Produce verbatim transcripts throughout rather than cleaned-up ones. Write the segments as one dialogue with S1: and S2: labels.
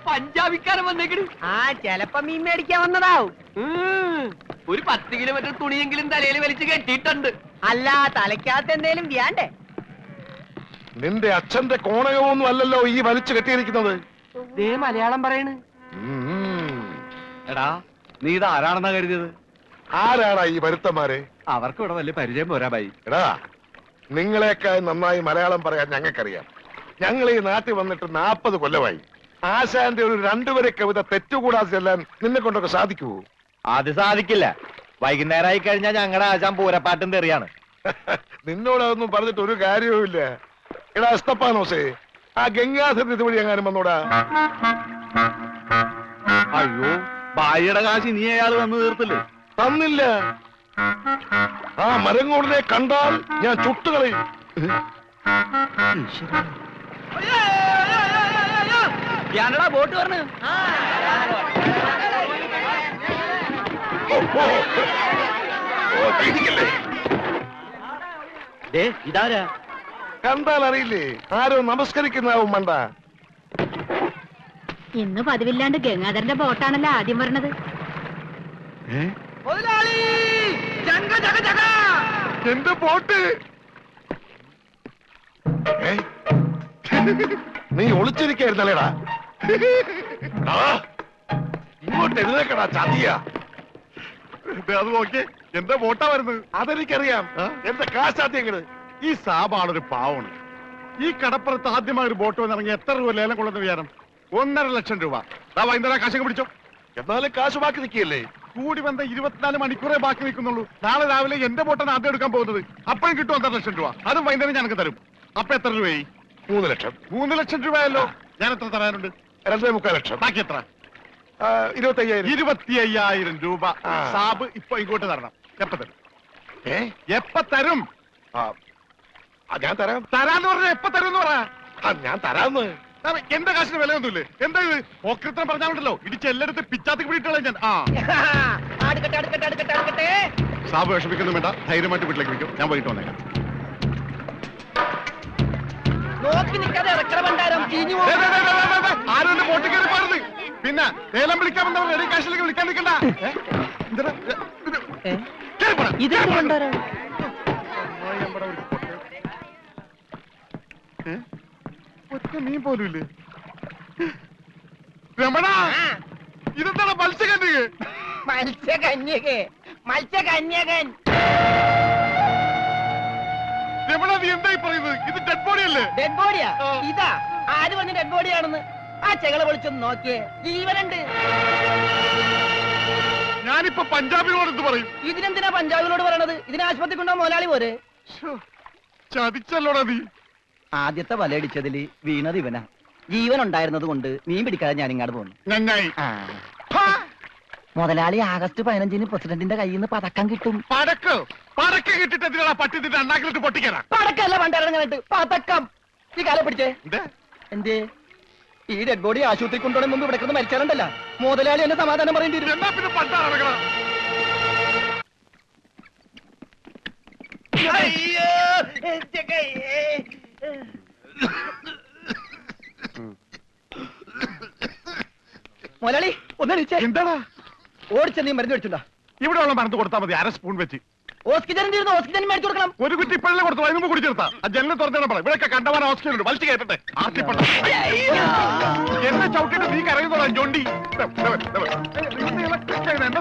S1: പഞ്ചാബിക്കാരൻ വന്നേക്കണ്.
S2: ആ ചെലപ്പോ മീൻ മേടിക്കാൻ വന്നതാവും.
S1: ഒരു പത്ത് കിലോമീറ്റർ തുണിയെങ്കിലും തലയിൽ വലിച്ചു കെട്ടിയിട്ടുണ്ട്.
S2: അല്ല, തലയ്ക്കകത്ത് എന്തേലും വ്യാണ്ടേ?
S3: നിന്റെ അച്ഛന്റെ കോണകമൊന്നും അല്ലല്ലോ ഈ വലിച്ചു കെട്ടിയിരിക്കുന്നത്.
S1: ദേ മലയാളം പറയണ്.
S4: എടാ, നീ ഇത് ആരാണെന്നാ കരുതിയത്?
S3: ആരാടാ ഈ വരുത്തന്മാരെ?
S4: അവർക്ക് ഇവിടെ വലിയ പരിചയം പോരാ ബൈ.
S3: എടാ, നിങ്ങളെക്കാൾ നന്നായി മലയാളം പറയാൻ ഞങ്ങൾക്കറിയാം. ഞങ്ങൾ ഈ നാട്ടിൽ വന്നിട്ട് നാപ്പത് കൊല്ലമായി. ആശാന്റെ ഒരു രണ്ടുപേരെ കവിത തെറ്റുകൂടാതെ ചെല്ലാൻ നിന്നെ കൊണ്ടൊക്കെ സാധിക്കുവോ?
S4: അത് സാധിക്കില്ല. വൈകുന്നേരമായി കഴിഞ്ഞാൽ ഞങ്ങളുടെ ആശാൻ പൂരപ്പാട്ടും തെറിയാണ്.
S3: നിന്നോടൊന്നും പറഞ്ഞിട്ട് ഒരു കാര്യവുമില്ല. എടാ എസ്തപ്പാനോസേ, ആ ഗംഗാധരൻ ഇതുവഴി എങ്ങാനും വന്നോടാ.
S4: അയ്യോ, ബായിയുടെ കാശ് നീ അയാൾ വന്നു തീർത്തില്ലേ?
S3: തന്നില്ല. ആ മരങ്ങോടിനെ കണ്ടാൽ ഞാൻ ചുട്ടുകളയും.
S1: ഞാനടാ ബോട്ട് പറഞ്ഞു.
S4: ഇതാരാ?
S3: കണ്ടാൽ അറിയില്ലേ? ആരോ നമസ്കരിക്കുന്നാവും മണ്ട.
S5: ഇന്ന് പതിവില്ലാണ്ട് ഗംഗാധരന്റെ ബോട്ടാണല്ലോ ആദ്യം വരണത്.
S3: എന്റെ ബോട്ട് നീ ഒളിച്ചിരിക്കായിരുന്നല്ലേടാ? ഇങ്ങോട്ട് എഴുന്നേക്കടാ ചതിയാ. അത് നോക്കി എന്റെ ബോട്ടാ വരുന്നത്. അതെനിക്കറിയാം. എന്റെ കാശാദ്യങ്ങള്.
S6: ഈ സാബാണൊരു പാവണ്. ഈ കടപ്പുറത്ത് ആദ്യമായി ഒരു ബോട്ട് വന്നിറങ്ങി എത്ര രൂപ ലേലം കൊള്ളുന്ന വിചാരം? ഒന്നര ലക്ഷം രൂപ. വൈകുന്നേരം കാശൊക്കെ പിടിച്ചോ.
S3: എന്നാലും കാശ് ബാക്കി നിൽക്കിയല്ലേ?
S6: കൂടി വന്ന ഇരുപത്തിനാല് മണിക്കൂറേ ബാക്കി നിൽക്കുന്നുള്ളൂ. നാളെ രാവിലെ എന്റെ ബോട്ടാണ് ആദ്യം എടുക്കാൻ പോകുന്നത്. അപ്പോഴും കിട്ടും ഒന്നര ലക്ഷം രൂപ. അതും വൈകുന്നേരം ഞങ്ങൾക്ക് തരും. അപ്പൊ എത്ര രൂപയായി?
S3: മൂന്ന് ലക്ഷം.
S6: മൂന്ന് ലക്ഷം രൂപയല്ലോ. ഞാൻ എത്ര തരാനുണ്ട്?
S3: രണ്ടേ മുക്കാൽ ലക്ഷം.
S6: ബാക്കി എത്ര?
S3: ഇരുപത്തി അയ്യായിരം.
S6: ഇരുപത്തി അയ്യായിരം രൂപ സാബ് ഇപ്പൊ ഇങ്ങോട്ട് തരണം. എപ്പ തരും?
S3: ഏ
S6: എപ്പ തരും?
S3: ഞാൻ തരാം.
S6: തരാന്ന് പറഞ്ഞ എപ്പ തരും എന്ന് പറ.
S3: ഞാൻ തരാന്ന്.
S6: എന്റെ കാശിന് വിലയൊന്നുമില്ലേ? എന്താ ഇത് ഓക്രിത്രം പറഞ്ഞാലുണ്ടല്ലോ ഇടിച്ച് എല്ലായിടത്തും പിച്ചാത്തി പിടിയിട്ടുള്ള ഞാൻ. ആ സാബ് വിഷമിക്കൊന്നും വേണ്ട. ധൈര്യമായിട്ട് വീട്ടിലേക്ക് വിളിക്കും. ഞാൻ വൈകിട്ട് വന്നേക്കാം. ആരും എന്റെ ബോട്ടിൽ കയറി പാടുന്നത്. പിന്നെ ലേലം വിളിക്കാമെന്നവർ റെഡി കാശിലേക്ക് വിളിക്കാൻ നിൽക്കണ്ട. ഒറ്റ മീൻ പോലും ഇല്ലേ? രമണ, ഇതെന്താണ് മത്സ്യകന്യക?
S2: മത്സ്യകന്യക മത്സ്യകന്യകൻ.
S6: രമണ, നീ എന്തായി പറയുന്നത്? ഇത് ഡെഡ് ബോഡി അല്ലേ?
S2: ഡെഡ് ബോഡിയാ? ഇതാ ആര് വന്ന് ഡെഡ് ബോഡിയാണെന്ന് ആ ചെകള വിളിച്ചൊന്ന് നോക്കിയേ. ജീവനുണ്ട്.
S6: ഞാനിപ്പോ പഞ്ചാബിനോട് എന്ത് പറയും?
S2: ഇതിനെന്തിനാ പഞ്ചാബിനോട് പറയണത്? ഇതിന് ആശുപത്രി കൊണ്ടോ മുതലാളി പോരെ?
S6: ചതിച്ചല്ലോടാ നീ.
S2: ആദ്യത്തെ വലയടിച്ചതില് വീണത് ഇവനാ. ജീവൻ ഉണ്ടായിരുന്നത് കൊണ്ട് മീൻ പിടിക്കാതെ ഞാൻ ഇങ്ങോട്ട് പോന്നു.
S6: നന്നായി.
S2: മുതലാളി ആഗസ്റ്റ് പതിനഞ്ചിന് പ്രസിഡന്റിന്റെ കയ്യിൽ നിന്ന് പതക്കം കിട്ടും.
S6: പടക്ക് പടക്ക് കിട്ടിട്ട് എന്തിനാ പട്ടി നിന്റെ അണ്ണാക്കിലിട്ട് പൊട്ടിക്കാനാ?
S2: പടക്കല്ല പണ്ടിറങ്ങാനായിട്ട് പതക്കം. ഈ കാലം പിടിച്ചേ. എന്തേ ഈ ഡെഡ് ബോഡി ആശുപത്രി കൊണ്ടുപോകണ മുമ്പ് ഇവിടെ കിടന്ന് മരിച്ചാറുണ്ടല്ല. മുതലാളി എന്നെ സമാധാനം പറയേണ്ടി വരും.
S6: എന്നാ പിന്നെ പണ്ടാ നടക്കണം.
S2: മുതലാളി ഒന്ന്
S6: എന്താടാ?
S2: ഓടിച്ച നീ മരുന്ന് മേടിച്ചുണ്ടാ.
S6: ഇവിടെ ഉള്ള മരുന്ന് കൊടുത്താൽ മതി. അര സ്പൂൺ വെച്ച്.
S2: ഓക്സിജൻ തീർന്നു. ഓക്സിജൻ മേടിച്ചു കൊടുക്കണം.
S6: ഒരു കുറ്റി ഇപ്പോഴല്ലേ കൊടുത്തു. അതിന് മുമ്പ് കുടിച്ചെടുത്താ. ആ ജനലിൽ തുറന്നു പറ. ഇവിടെ കണ്ടവാൻ ഓക്സിജൻ ഉണ്ട്. വലിച്ചു കയറ്റട്ടെ. ആർത്തിപ്പെട്ട എന്നെ ചവിട്ടിട്ട് നീ കരയുന്നോളാം ജോണ്ടി. എന്നെ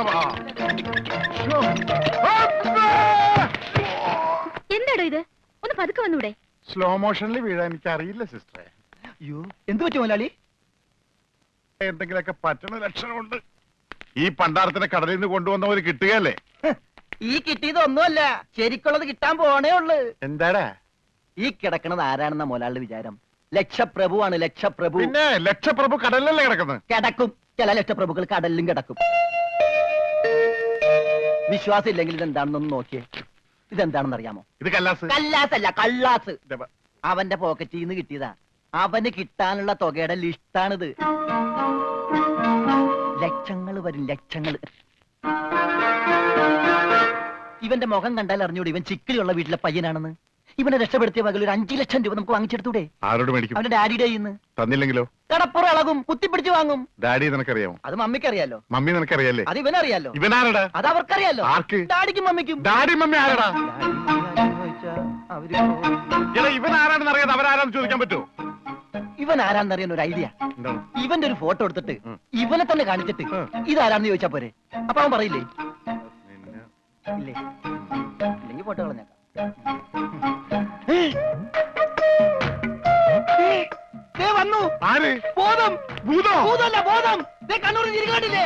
S5: എന്താടോ ഇത്? ഒന്ന് പതുക്കെ വന്നൂടെ?
S6: സ്ലോ മോഷനിൽ വീഴാൻ എനിക്ക് അറിയില്ല സിസ്റ്ററെ.
S2: അയ്യോ, എന്ത് പറ്റും മുതലാളി?
S6: എന്തെങ്കിലൊക്കെ പറ്റണ ലക്ഷണമുണ്ട്. ഈ പണ്ടാരത്തിനെ കടലിൽ നിന്ന് കൊണ്ടുവന്നവര് കിട്ടുകയല്ലേ?
S2: ഈ കിട്ടിയതൊന്നുമല്ല, ശരിക്കുള്ളത് കിട്ടാൻ പോണേ ഉള്ളു.
S6: എന്താടാ
S2: ഈ കിടക്കണത് ആരാണെന്ന മുതലാളിയുടെ വിചാരം? ലക്ഷപ്രഭുവാണ്. ലക്ഷപ്രഭു.
S6: പിന്നെ ലക്ഷപ്രഭു കടലിലല്ലേ കിടക്കുന്നത്?
S2: കിടക്കും. ചില ലക്ഷപ്രഭുക്കൾ കടലിലും കിടക്കും. വിശ്വാസം ഇല്ലെങ്കിൽ ഇതെന്താണെന്നൊന്ന് നോക്കിയേ. ഇതെന്താണെന്ന് അറിയാമോ?
S6: ഇത് കല്ലാസ്.
S2: കല്ലാസ് അല്ല, കള്ളാസ്. അവന്റെ പോക്കറ്റിൽ നിന്ന് കിട്ടിയതാ. അവന് കിട്ടാനുള്ള തുകയുടെ ലിസ്റ്റാണിത്. ലക്ഷങ്ങൾ വരും, ലക്ഷങ്ങൾ. ഇവന്റെ മുഖം കണ്ടാൽ അറിഞ്ഞൂടെ ഇവൻ ചിക്കിളിയുള്ള വീട്ടിലെ പയ്യനാണെന്ന്. ഇവനെ രക്ഷപ്പെടുത്തിയ പകൽ ഒരു അഞ്ചു ലക്ഷം രൂപ നമുക്ക് വാങ്ങിച്ചെടുത്തൂടെ?
S6: ആരോട് മേടിക്കും?
S2: അവന്റെ ഡാഡിയുടെ കയ്യിൽ നിന്ന്.
S6: തന്നില്ലെങ്കിലോ?
S2: കടപ്പുറം ഇളകും, കുത്തിപ്പിടിച്ച് വാങ്ങും.
S6: ഡാഡി നിനക്കറിയാമോ?
S2: അത് മമ്മിക്കറിയാലോ.
S6: മമ്മി നിനക്കറിയാലേ?
S2: അത് ഇവനറിയാലോ.
S6: ഇവനാരടാ?
S2: അത് അവർക്കറിയാലോ.
S6: ആർക്ക്?
S2: ഡാഡിക്കും മമ്മിക്കും.
S6: ഡാഡി മമ്മി ആരടാ?
S2: അവര്
S6: എടാ ഇവൻ ആരാണെന്ന് അറിയാതെ അവരാരാന്ന് ചോദിക്കാൻ പറ്റുമോ?
S2: ഇവൻ ആരാന്നറിയാൻ ഒരു ഐഡിയ.
S6: എന്താണ്?
S2: ഇവന്റെ ഒരു ഫോട്ടോ എടുത്തിട്ട്
S6: ഉം.
S2: ഇവനെ തന്നെ കാണിച്ചിട്ട്
S6: ഉം.
S2: ഇതാരാന്ന് ചോദിച്ചാ പോരെ. അപ്പൊ അവൻ പറയില്ലേ?
S6: നിന്നെ-
S2: ഇല്ലേ? ഇല്ലെങ്കിൽ ഫോട്ടോ കളഞ്ഞേക്കാം. ദേ വന്നു
S6: ആര്?
S2: ബോധം.
S6: ഭൂതോ?
S2: ഭൂതമല്ല, ബോധം. ദേ കണ്ണൂർ ചിരിക്കാണ്ടില്ലേ?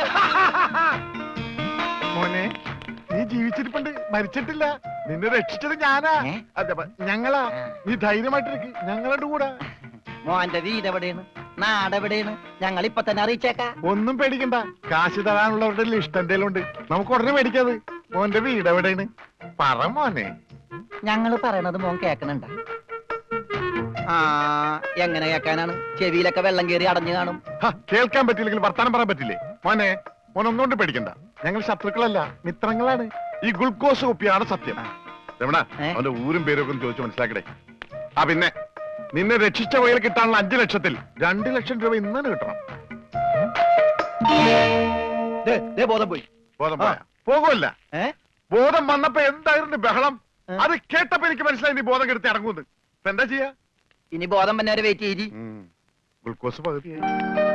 S6: മോനെ നീ ജീവിച്ചിരിപ്പുണ്ട്, മരിച്ചിട്ടില്ല. നിന്നെ രക്ഷിച്ചത് ഞാനാ.
S2: ഏ?
S6: അതെ, പ- ഞങ്ങളാ.
S2: ആ.
S6: നീ ധൈര്യമായിട്ടിരിക്ക്, ഞങ്ങളുടെ കൂടെ.
S2: മോന്റെ വീട് എവിടെയാണ്, നാടെവിടെയാണ്, ഞങ്ങൾ ഇപ്പൊ തന്നെ അറിയിച്ചേക്കാ.
S6: ഒന്നും പേടിക്കണ്ട, കാശ് തരാനുള്ളവരുടെ ലിസ്റ്റ് എന്തേലും ഉണ്ട്, നമുക്ക് ഉടനെ മേടിക്കാത്. മോന്റെ വീട് എവിടെയാണ്? പറ മോനെ.
S2: ഞങ്ങള് പറയണത് മോൻ കേക്കണുണ്ട? ആ എങ്ങനെ കേക്കാനാണ്? ചെവിയിലൊക്കെ വെള്ളം കയറി അടഞ്ഞു കാണും.
S6: ഹ, കേൾക്കാൻ പറ്റില്ലെങ്കിൽ വർത്താനം പറയാൻ പറ്റില്ലേ? മോനെ മോൻ ഒന്നുകൊണ്ട് പേടിക്കണ്ട, ഞങ്ങൾ ശത്രുക്കളല്ല, മിത്രങ്ങളാണ്. ഈ ഗ്ലൂക്കോസ് കുപ്പിയാണ് സത്യം. രമണ,
S2: ഏ? അവന്റെ
S6: ഊരും പേരും ഒക്കെ ഒന്ന് ചോദിച്ചു മനസ്സിലാക്കടേ. ആ പിന്നെ നിന്നെ രക്ഷിച്ച വകയിൽ കിട്ടാനുള്ള അഞ്ചു ലക്ഷത്തിൽ രണ്ട് ലക്ഷം രൂപ ഇന്ന് തന്നെ കിട്ടണം.
S2: ദേ, ദേ ബോധം പോയി.
S6: ബോധം
S2: ആ.
S6: പോയാ? പോകുമല്ല.
S2: ഏ?
S6: ബോധം വന്നപ്പോ എന്തായിരുന്നു ബഹളം?
S2: ഏ?
S6: അത് കേട്ടപ്പോ എനിക്ക് മനസ്സിലായി നീ ബോധം കെടുത്തി ഇറങ്ങുന്നത്. ഇപ്പൊ എന്താ ചെയ്യാ?
S2: ഇനി ബോധം തന്നെ വരെ വെയിറ്റ് ചെയ്തി.
S6: ഗ്ലൂക്കോസ് പകുതിയായി.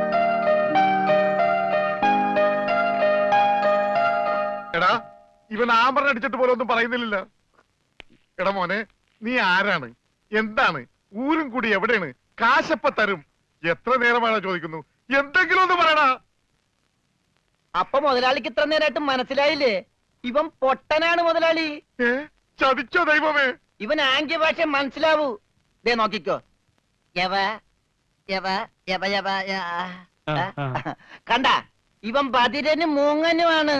S6: എടാ ഇവൻ ആമ്പറിന് അടിച്ചിട്ട് പോലെ ഒന്നും പറയുന്നില്ല. എടാ മോനെ, നീ ആരാണ്, എന്താണ്, ഊരും കൂടി എവിടെയാണ്, കാശപ്പ തരും, എത്ര നേരമാണ് ചോദിക്കുന്നു, എന്തെങ്കിലും ഒന്ന് പറയടാ.
S2: അപ്പൊ മുതലാളിക്ക് ഇത്ര നേരമായിട്ട് മനസ്സിലായില്ലേ? ഇവൻ പൊട്ടനാണ് മുതലാളി.
S6: ഏ ചതിച്ചോ ദൈവമേ?
S2: ഇവൻ ആംഗ്യ ഭാഷ മനസ്സിലാവൂ. ദേ നോക്കിക്കോ. യവ യവ യവ യവ യ- ആ. കണ്ട, ഇവൻ ബദിരനും മൂങ്ങനുമാണ്.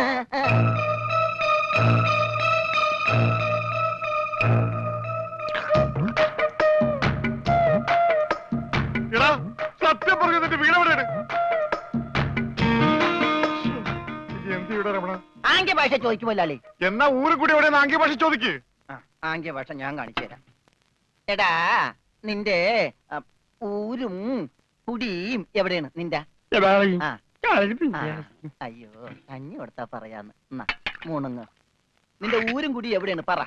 S6: എടാ സത്യം പറഞ്ഞു, നിന്റെ വീട് എവിടെയാണ്? എന്ത് ഇവിടെ രമണ?
S2: ആംഗ്യ ഭാഷ ചോദിക്കും മുതലാളി.
S6: എന്നാ ഊരും കൂടി എവിടെയാണ് ആംഗ്യ ഭാഷ ചോദിക്ക്.
S2: ആ, ആംഗ്യ ഭാഷ ഞാൻ കാണിച്ചു തരാം. എടാ നിന്റെ ആ, ഊരും കുടിയും എവിടെയാണ് നിന്റെ? ആ. ആ, അയ്യോ കഞ്ഞി കൊടുത്താ പറയാന്ന്. എന്നാ മൂണുങ്ങ്. നിന്റെ ഊരും കുടി എവിടെയാണ് പറ.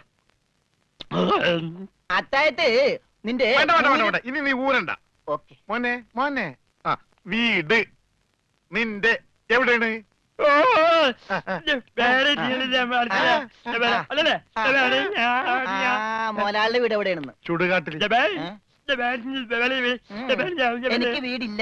S2: അത്തായത് നിന്റെ
S6: വേണ്ട വേണ്ട വേണ്ട വേണ്ട, ഇനി നീ ഊരണ്ട.
S2: ഓക്കെ.
S6: മോനെ മോനെ, ആ വീട് നിന്റെ എവിടെയാണ്?
S2: മോലാളിന്റെ വീട് എവിടെയാണെന്ന്.
S6: ചുടുകാട്ടിൽ.
S2: ഏ? എനിക്ക് വീടില്ല.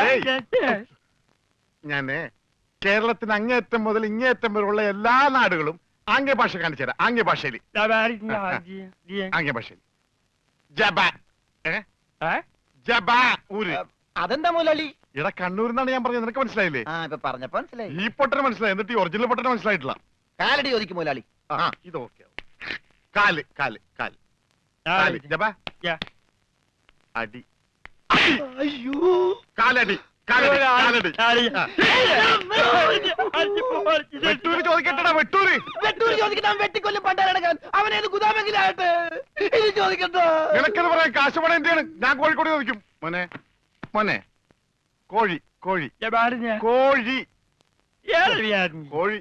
S6: ഞാന് കേരളത്തിന് അങ്ങേയറ്റം മുതൽ ഇങ്ങേയറ്റം വരെയുള്ള എല്ലാ നാടുകളും ആംഗ്യ ഭാഷ കാണിച്ചു തരാം. ആംഗ്യ ഭാഷയിൽ ആംഗ്യ ഭാഷയിൽ ജബ ഏ? ജബ ഊര്.
S2: അതെന്താ മുതലാളി?
S6: ഇട കണ്ണൂരിന്നാണ് ഞാൻ പറഞ്ഞത്, നിനക്ക് മനസ്സിലായില്ലേ?
S2: ആ ഇപ്പൊ പറഞ്ഞപ്പോ മനസ്സിലായി.
S6: ഈ പൊട്ടന് മനസ്സിലായി, എന്നിട്ട് ഈ ഒറിജിനൽ പൊട്ടന് മനസ്സിലായിട്ടില്ല.
S2: കാലടി ചോദിക്കും മുതലാളി.
S6: ആ ഇത് ഓക്കെ. കാല് കാല് കാല് കാല് ജബ അടി.
S2: അയ്യോ
S6: കാലടി കാലടി കാലടി. ആ. വെട്ടൂര് ചോദിക്കട്ടെടാ, വെട്ടൂര്.
S2: വെട്ടൂര് ചോദിക്കാൻ വെട്ടിക്കൊല്ലും പണ്ടാരടക്കാൻ. അവനേത് ഗുദാമെങ്കിലാകട്ടെ. ഇത് ചോദിക്കട്ടോ.
S6: നിനക്കെന്ന് പറയാൻ കാശ് പണം എന്റെയാണ്, ഞാൻ കോഴിക്കോട് ചോദിക്കും. മോനെ മോനെ, കോഴി കോഴി കോഴി കോഴി.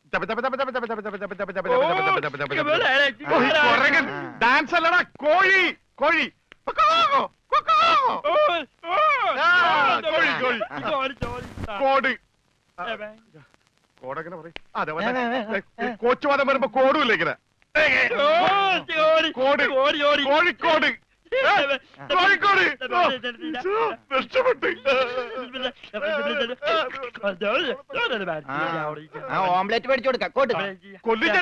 S6: ഡാൻസ് അല്ലടാ, കോഴി കോഴി. കൊക്കോ, കൊക്കോ. ആ, കോഴി കോഴി. കോട് കോടെങ്ങനെ പറയും? അതെ കോച്ചുവാദം വരുമ്പോ കോടുമില്ല ഇങ്ങനെ. കോട് കോഴിക്കോട്. കോഴിക്കോട് രക്ഷപ്പെട്ട്.
S2: ആ ഓംലെറ്റ് മേടിച്ചു കൊടുക്കാം. കോട്ട്
S6: കൊല്ലിച്ച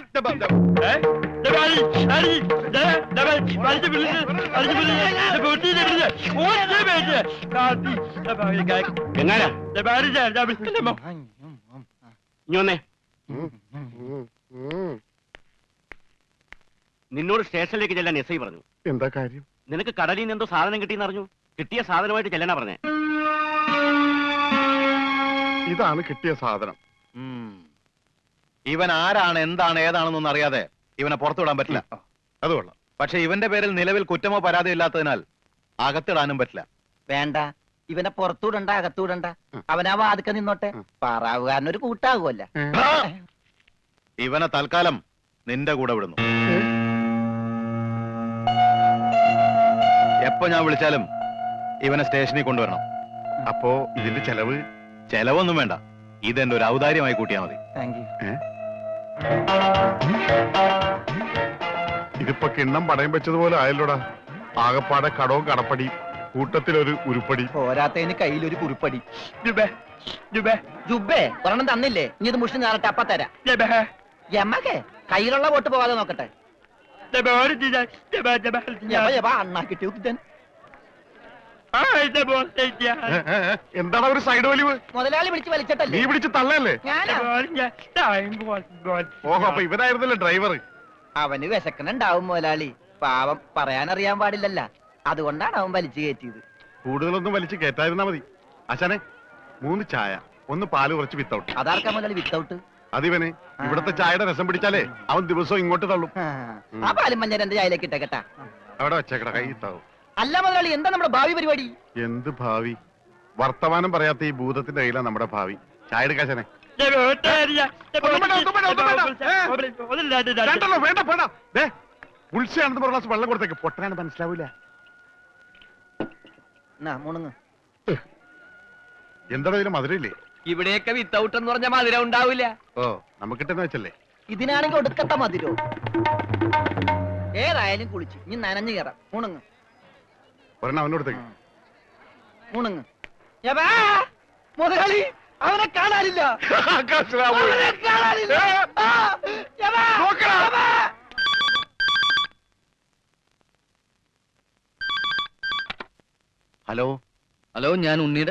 S1: നിന്നോട് സ്റ്റേഷനിലേക്ക് ചെല്ലാൻ എസ് ഐ പറഞ്ഞു.
S6: എന്താ കാര്യം?
S1: നിനക്ക് കടലിൽ നിന്ന് എന്തോ സാധനം കിട്ടിയെന്ന് അറിഞ്ഞു. കിട്ടിയ സാധനമായിട്ട് ചെല്ലാനാ പറഞ്ഞേ.
S6: ഇതാണ് കിട്ടിയ സാധനം.
S4: ഇവൻ ആരാണ്, എന്താണ്, ഏതാണെന്നൊന്നും അറിയാതെ ഇവനെ പുറത്തുവിടാൻ പറ്റില്ല.
S6: അത് കൊള്ളാം.
S4: പക്ഷെ ഇവന്റെ പേരിൽ നിലവിൽ കുറ്റമോ പരാതിയോ ഇല്ലാത്തതിനാൽ അകത്തിടാനും പറ്റില്ല.
S2: വേണ്ട. ഇവനെ പുറത്തൂടണ്ട അകത്തൂടണ്ട അവനാ വാതുക്ക നിന്നോട്ടെ പാറാവുകാരനൊരു കൂട്ടാകുമല്ല.
S4: ഇവനെ തൽക്കാലം നിന്റെ കൂടെ വിടുന്നു. എപ്പോ ഞാൻ വിളിച്ചാലും ഇവനെ സ്റ്റേഷനിൽ കൊണ്ടുവരണം.
S6: അപ്പോ ഇതിന്റെ ചെലവ്
S4: ചെലവൊന്നും വേണ്ട, ഇതെന്റെ ഒരു ഔദാര്യമായി കൂട്ടിയാ മതി.
S2: Thank you.
S6: ഇതിപ്പോ കിണ്ണം പടയം വെച്ചതുപോലെ ആയല്ലോടാ. ആകപ്പാടെ കടവും കടപ്പടി, കൂട്ടത്തിലൊരു ഉരുപ്പടി.
S2: പോരാത്തതിന് കയ്യിലൊരു കുറിപ്പടി. ജുബേ ഒരെണ്ണം തന്നില്ലേ, ഇനി ഇത് മുഷിന് ഞാറട്ടെ അപ്പ തരാം. യമകെ കയ്യിലുള്ള വോട്ട് പോകാതെ നോക്കട്ടെ. യവ, യവ, അണ്ണാ കിട്ടിയ ഉദ്ദൻ.
S6: എന്താണ് ഒരു സൈഡ് വലിവ്?
S2: മുതലാളി പിടിച്ച്
S6: നീ
S2: വലിച്ചിട്ടല്ലേ
S6: പിടിച്ച് തള്ളല്ലേ?
S2: ഞാനാ.
S6: ഓഹോ, അപ്പൊ ഇവനായിരുന്നല്ലേ ഡ്രൈവർ?
S2: അവന് വിശക്കണുണ്ടാവും മുതലാളി, പാവം പറയാനറിയാൻ പാടില്ലല്ല, അതുകൊണ്ടാണ് അവൻ വലിച്ചു കയറ്റിയത്.
S6: കൂടുതലൊന്നും വലിച്ച് കേറ്റായിരുന്നാ മതി. ആശാനെ, മൂന്ന് ചായ, ഒന്ന് പാല് കുറച്ച് വിത്തൗട്ട്.
S2: അതാർക്കാ മുതലാളി വിത്തൗട്ട്?
S6: അതിവന് ഇവിടത്തെ ചായയുടെ രസം പിടിച്ചാലേ അവൻ ദിവസവും ഇങ്ങോട്ട് തള്ളും.
S2: ആ പാലും മഞ്ഞ എന്റെ ചായയിലേക്ക് ഇട്ടേക്കട്ടാ.
S6: അവിടെ വെച്ചേക്കട, കൈ ഇത്താവും.
S2: അല്ല മുതലാളി, എന്താ നമ്മുടെ ഭാവി പരിപാടി?
S6: എന്ത് ഭാവി? വർത്തമാനം പറയാത്ത ഈ ഭൂതത്തിന്റെ കയ്യിലാണ് നമ്മുടെ ഭാവി. ചായ എടുക്കാശനെ. വേണ്ടല്ലോ, വേണ്ട വേണ്ട. ദേ, ഉത്സയാണെന്ന് പറഞ്ഞ ഗ്ലാസ് വെള്ളം കൊടുത്തേക്ക്. പൊട്ടനാണ് മനസ്സിലാവൂല.
S2: മുണുങ്ങ്.
S6: എന്താണോ ഇതിന് മധുരയില്ലേ?
S1: ഇവിടെയൊക്കെ വിത്തൗട്ട് എന്ന് പറഞ്ഞ മധുരം ഉണ്ടാവില്ല.
S6: ഓ, നമുക്കിട്ടെന്ന് വെച്ചല്ലേ.
S2: ഇതിനാണെങ്കിൽ ഒടുക്കത്തെ മതിരോ. ഏതായാലും കുളിച്ച് ഇനി നനഞ്ഞു കയറാം. മുണുങ്ങ്
S6: ഒരെണ്ണം അവനോടത്തേക്ക്.
S2: മുണുങ്ങ്. യവാ, മുതലാളി അവനെ കാണാനില്ല. അവനെ കാണാനില്ല. ആ, യവാ, യവാ.
S4: ഹലോ
S1: ഹലോ, ഞാൻ ഉണ്ണിയുടെ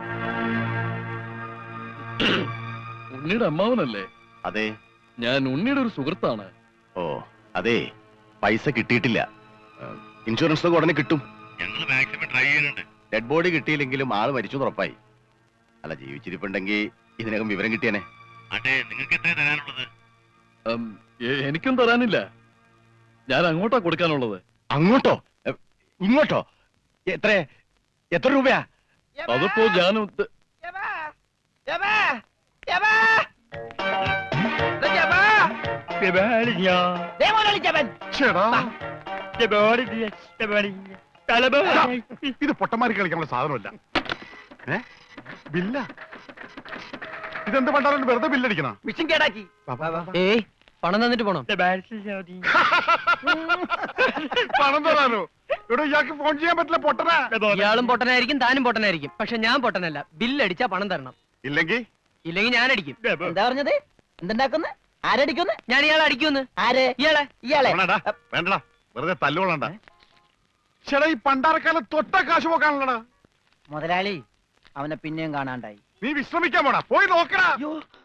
S1: ഉണ്ണിയുടെ അമ്മാവനല്ലേ?
S4: അതെ.
S1: ഞാൻ ഉണ്ണിയുടെ ഒരു സുഹൃത്താണ്.
S4: ഓ അതെ, പൈസ കിട്ടിയിട്ടില്ല. ഇൻഷുറൻസ് ഒക്കെ ഉടനെ കിട്ടും. ഞങ്ങൾ മാക്സിമം ട്രൈ ചെയ്യുന്നുണ്ട്. ഡെഡ് ബോഡി കിട്ടിയില്ലെങ്കിലും ആള് മരിച്ചു ഉറപ്പായി. അല്ല, ജീവിച്ചിരിപ്പുണ്ടെങ്കിൽ ഇതിനകം വിവരം കിട്ടിയനെ. അതെ, നിങ്ങൾക്ക് എത്ര തരാനുള്ളത്?
S1: ഉം, എ- എനിക്കും തരാനില്ല. ഞാൻ അങ്ങോട്ടാ കൊടുക്കാനുള്ളത്.
S4: അങ്ങോട്ടോ എ, ഇങ്ങോട്ടോ? എത്ര എത്ര രൂപയാ?
S2: യവാ,
S1: അതിപ്പോ ഞാൻ ഉദ്ദ-
S2: യവാ, യവാ, യവാ. ദേ യവാ. ദേ മുതലാളി ജപൻ.
S6: ചേടാ, ഇത് പൊട്ടന്മാരി കളിക്കാനുള്ള സാധനമല്ല. ഏ ബില്ല? ഇതെന്ത് പണ്ടാലും വെറുതെ ബില്ലടിക്കണ?
S2: മിഷൻ കേടാക്കി.
S1: ഏയ്, പണം തന്നിട്ട് പോണം.
S6: പണം തരാനോ? ഇവിടെ ഇയാൾക്ക് ഫോൺ ചെയ്യാൻ പറ്റില്ല, പൊട്ടനാ.
S1: ഇയാളും പൊട്ടനായിരിക്കും, താനും പൊട്ടനായിരിക്കും. പക്ഷെ ഞാൻ പൊട്ടനല്ല. ബില്ലടിച്ചാ പണം തരണം,
S6: ഇല്ലെങ്കിൽ
S1: ഇല്ലെങ്കിൽ ഞാൻ അടിക്കും.
S2: എന്താ പറഞ്ഞത്? എന്തുണ്ടാക്കുന്നു? ആരടിക്കുന്നു?
S1: ഞാൻ ഇയാളെ അടിക്കുമെന്ന്.
S2: ആര്?
S1: ഇയാളെ.
S2: ഇയാളെ.
S6: വേണ്ടടാ, വേണ്ടടാ, വെറുതെ തല്ലുകൊള്ളണ്ട. ചേടാ, ഈ പണ്ടാരക്കാലം തൊട്ട കാശ് പോക്കാണല്ലടാ.
S2: മുതലാളി അവനെ പിന്നെയും കാണാണ്ടായി.
S6: നീ വിശ്രമിക്കാൻ പോടാ, പോയി നോക്കടാ.
S2: അയ്യോ,